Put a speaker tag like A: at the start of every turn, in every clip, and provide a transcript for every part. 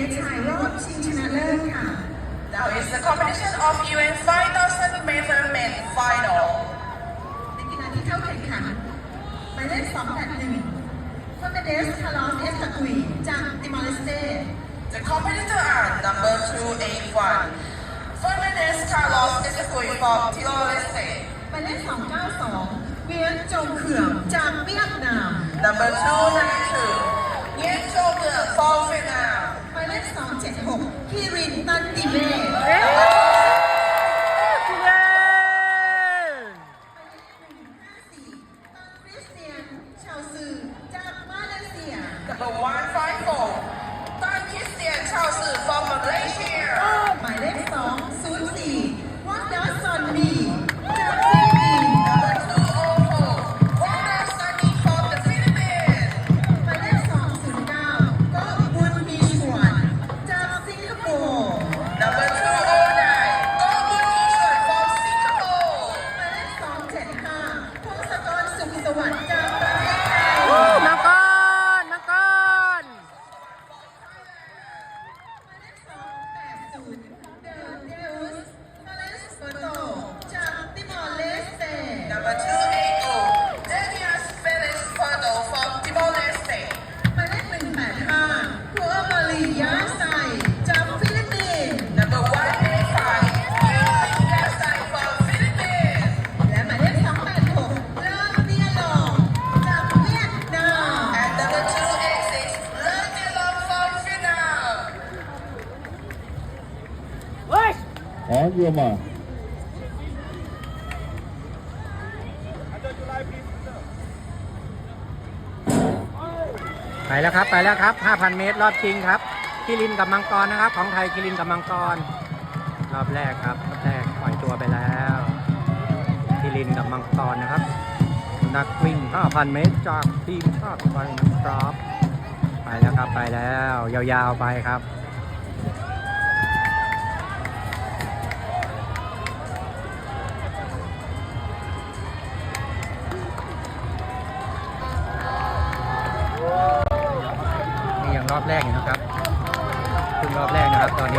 A: ชายรอบชิงชนะเลิศค่ะ
B: Now is the competition of UN 5,000 meter men final.
A: ในกีฬาที่เข้าแข่งขันหมายเลข281เฟอร์เมเดสคาร์ลอสเอสตากุยจากติมอร์เลสเต
B: The competitors are number 281, Fernandez Carlos Escui from Timor-Leste.
A: หมายเลข292เวียนจงเขื่อมจากเวียดนาม
B: Number 292, Nguyen Châu Nguyen from Vietnam.
A: หมายเลข276คีรินตันติเมหมายเลข154ตันคริสเตียนชาวซือจากมาเลเซีย
B: Number 154, Tan Christian Chao Su from Malaysia.
A: หมายเลข204วัดดัสซอนนีจากฟิลิปปินส์
B: Number 204, Wanda Sunny from the Philippines.
A: หมายเลข209ก็บุญมีชวนจากสิงคโปร์
B: Number 209, Go Moon Ishwan from Singapore.
A: หมายเลข275พงศกรสุขสวัสดิ์จากประเทศไทย
C: มังกร มังกร
A: หมายเลข280เดอเดอุสคาเลสเบโตจากติมอร์เลสเต
B: Number 280, Daniel Felix Pardo from Timor-Leste.
A: หมายเลข185คัวมาลียาไซจากฟิลิปปินส์
B: Number 185, Yuan Yasai from Philippines.
A: และหมายเลข286เลอเนียลองจากเวียดนาม
B: And number 286, Leung Nelong from Vietnam.
D: อ๋อโยมอ่ะ
C: ไปแล้วครับ ไปแล้วครับ 5,000 เมตรรอบชิงครับคิรินกับมังกรนะครับ ของไทยคิรินกับมังกร รอบแรกครับ รอบแรกปล่อยตัวไปแล้วคิรินกับมังกรนะครับ นักวิ่ง 5,000 เมตรจากทีมชาติไทยนะครับ ไปแล้วครับ ไปแล้ว ยาวๆไปครับ นี่ยังรอบแรกอยู่นะครับเพิ่งรอบแรกนะครับ ตอนนี้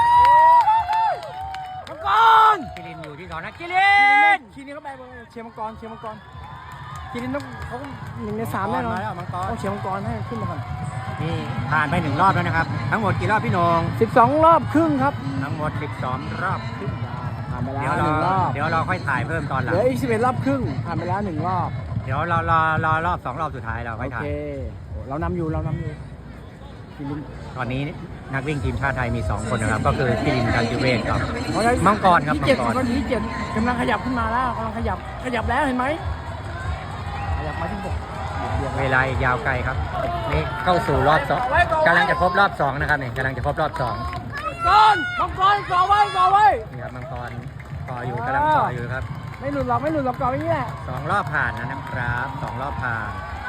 C: มังกรคิรินอยู่ที่สองนะคิริน
E: คีนี่เขาไปเชียร์มังกรคีนี่ต้องเขา1 ใน 3แน่นอน
C: มาแล้วมังกร
E: ต้องเชียร์มังกรให้ขึ้นมาก่อน
C: นี่ผ่านไป1 รอบแล้วนะครับ ทั้งหมดกี่รอบพี่โหนง
E: 12 รอบครึ่งครับ
C: ทั้งหมด12 รอบครึ่ง
E: ผ่านไปแล้
C: เดี๋ยว
E: ว
C: เรา
E: 1 รอบ
C: เดี๋ยวเราค่อยถ่ายเพิ่มตอนห
E: เห
C: ลัง
E: ลืออีก11 รอบครึ่งผ่านไปแล้ว1 รอบ
C: เดี๋ยวเรารอรอบ2 รอบสุดท้ายเราค่
E: โอ
C: อยถ่า
E: เค
C: ย
E: โอ้เรานำอยู่คีริน
C: ตอนนี้นักวิ่งทีมชาติไทยมี 2 คนนะครับ ก็คือคิรินกันติเวศกับ
E: เอาเลย
C: มังกรครับ
E: ที่
C: มั
E: เจ็ด
C: งกร
E: คนที่เจ็ดกำลังขยับขึ้นมาแล้วกำลังขยับแล้วเห็นไหมขยับมาที่6
C: เวลาอีกยาวไกลครับ นี่เข้าสู่รอบ2กำลังจะครบรอบ2นะครับนี่กำลังจะครบรอบ2
E: ก่อนมังกรก่อไว้
C: นี่ครับมังกรต่ออยู่กำลังต่ออยู่ครับ
E: ไม่หลุดหรอกก่อไว้อย่างนี้แหละ
C: 2 รอบผ่านนะครับ2 รอบผ่าน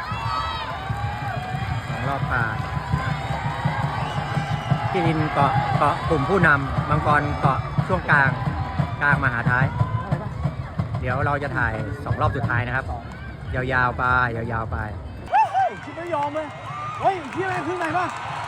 C: 2 รอบผ่านคิรินเกาะกลุ่มผู้นำมังกรเกาะช่วงกลางมาหาท้าย เดี๋ยวเราจะถ่าย 2 รอบสุดท้ายนะครับ ยาวๆไปยาวๆไป
E: คิดไม่ยอมเลยเฮ้ยพี่อะไรขึ้นไหนป่ะ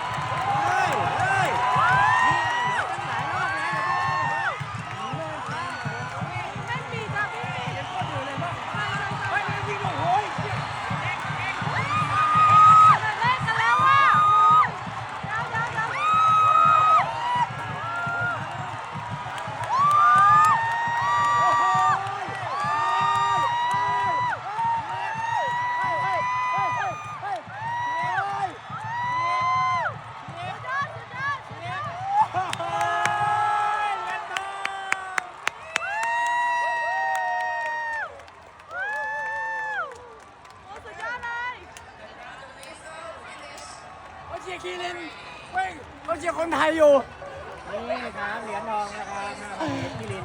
E: เขาเชียร์คีรินเว้ยเขาเชียร์คนไทยอยู่
C: นี่ครับเหรียญทองนะครับคิริน